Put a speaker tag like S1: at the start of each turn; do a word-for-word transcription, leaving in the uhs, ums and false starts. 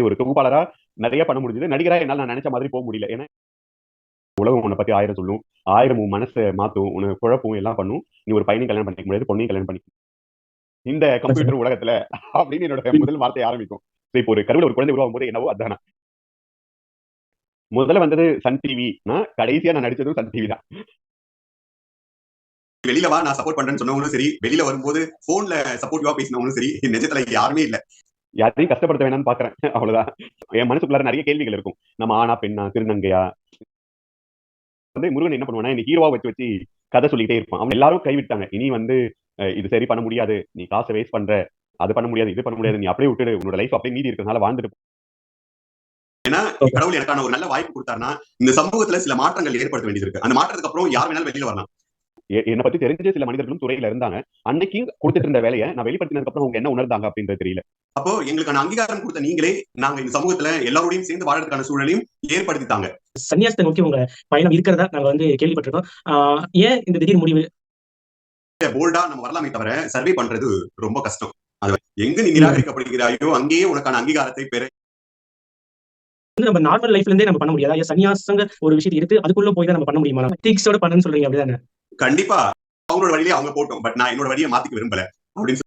S1: ஒரு தொகுப்பாளரா நிறைய பண்ண முடிஞ்சது. நடிகரா என்னால நான் நினைச்ச மாதிரி போக முடியல. ஏன்னா உலகம் உன்னை பத்தி ஆயிரம் சொல்லும். ஆயிரம் உன் மனச மாத்தும். உன்னை குழப்பும் எல்லாம் பண்ணும். நீ ஒரு பையனையும் கல்யாணம் பண்ணிக்க முடியாது. பொண்ணையும் கல்யாணம் பண்ணிக்க இந்த கம்ப்யூட்டர் உலகத்துல அப்படின்னு என்னோட முதல் வார்த்தை ஆரம்பிக்கும். இப்போ ஒரு கருவுல ஒரு குழந்தை உருவாகும் போது என்னவோ அதானா. முதல்ல வந்தது சன் டிவி. நான் கடைசியா நான் நடிச்சதும் சன் டிவி தான்.
S2: வெளியில வா நான் சப்போர்ட் பண்றேன்னு சொன்னவங்களும் சரி, வெளியில வரும்போது போன்ல சப்போர்ட்டிவா பேசினவங்களும் சரி, நிஜத்துல யாருமே இல்ல.
S1: யாரையும் கஷ்டப்படுத்த வேணாம்னு பாக்குறேன். அவ்வளவுதான். என் மனசுக்குள்ளார நிறைய கேள்விகள் இருக்கும். நம்ம ஆணா, பெண்ணா, திருநங்கையா? வந்து முருகன் என்ன பண்ணுவானா, என்ன ஹீரோவா வச்சு வச்சு கதை சொல்லிட்டே இருப்பான். அவங்க எல்லாரும் கைவிட்டாங்க. இனி வந்து அ இது சரி பண்ண முடியாது. நீ காச வேஸ்ட் பண்ற. அது பண்ண முடியாது, இது பண்ண முடியாது. நீ அப்படியே விட்டுடு. உன்னோட லைஃப் அப்படியே மீதி இருக்கிறதுனால வாழ்ந்துட்டு
S2: ஏன்னா கடவுள் எனக்கான ஒரு நல்ல வாய்ப்பு கொடுத்தாருன்னா, இந்த சமூகத்துல சில மாற்றங்கள் ஏற்படுத்த வேண்டியது இருக்கு. அந்த மாற்றத்துக்கு அப்புறம் யார் வேணாலும் வெளியில வரலாம்.
S1: எ என்ன பத்தி தெரிஞ்ச சில மனிதர்களும் துறையில இருந்தாங்க. அன்னைக்கு கொடுத்துட்டு இருந்த வேலைய நான் வெளிப்படுத்தினதுக்கு அப்புறம் அவங்க என்ன உணர்ந்தாங்க அப்படின்றது தெரியல.
S2: அப்போ எங்களுக்கான அங்கீகாரம் கொடுத்த நீங்களே, நாங்க இந்த சமூகத்துல எல்லாரோடையும் சேர்ந்து வாழறதுக்கான சூழலையும் ஏற்படுத்தித்தாங்க.
S3: சன்னியாசத்தை நோக்கி உங்க பயணம் இருக்கிறதா நாங்க வந்து கேள்விப்பட்டிருக்கோம். ஆ ஏன் இந்த திடீர் முடிவு?
S2: போல்டா நம்ம வரலாமே தவிர, சர்வே பண்றது ரொம்ப கஷ்டம். அது எங்க நீ நிராகரிக்கப்படுகிறாயோ, அங்கேயே உனக்கான அங்கீகாரத்தை பெற
S3: வந்து நம்ம நார்மல் லைஃப்ல இருந்தே நம்ம பண்ண முடியாதா? ஏன் சன்னியாசங்க ஒரு விஷயத்தை எடுத்து அதுக்குள்ள போய் தான் நம்ம பண்ண முடியுமா? எத்திக்ஸோட பண்ணுன்னு சொல்றீங்க அப்படிதானே?
S2: கண்டிப்பா அவங்களோட வழியிலே அவங்க போட்டோம். பட் நான் என்னோட வழியை மாத்திக்க விரும்பல. அப்படின்னு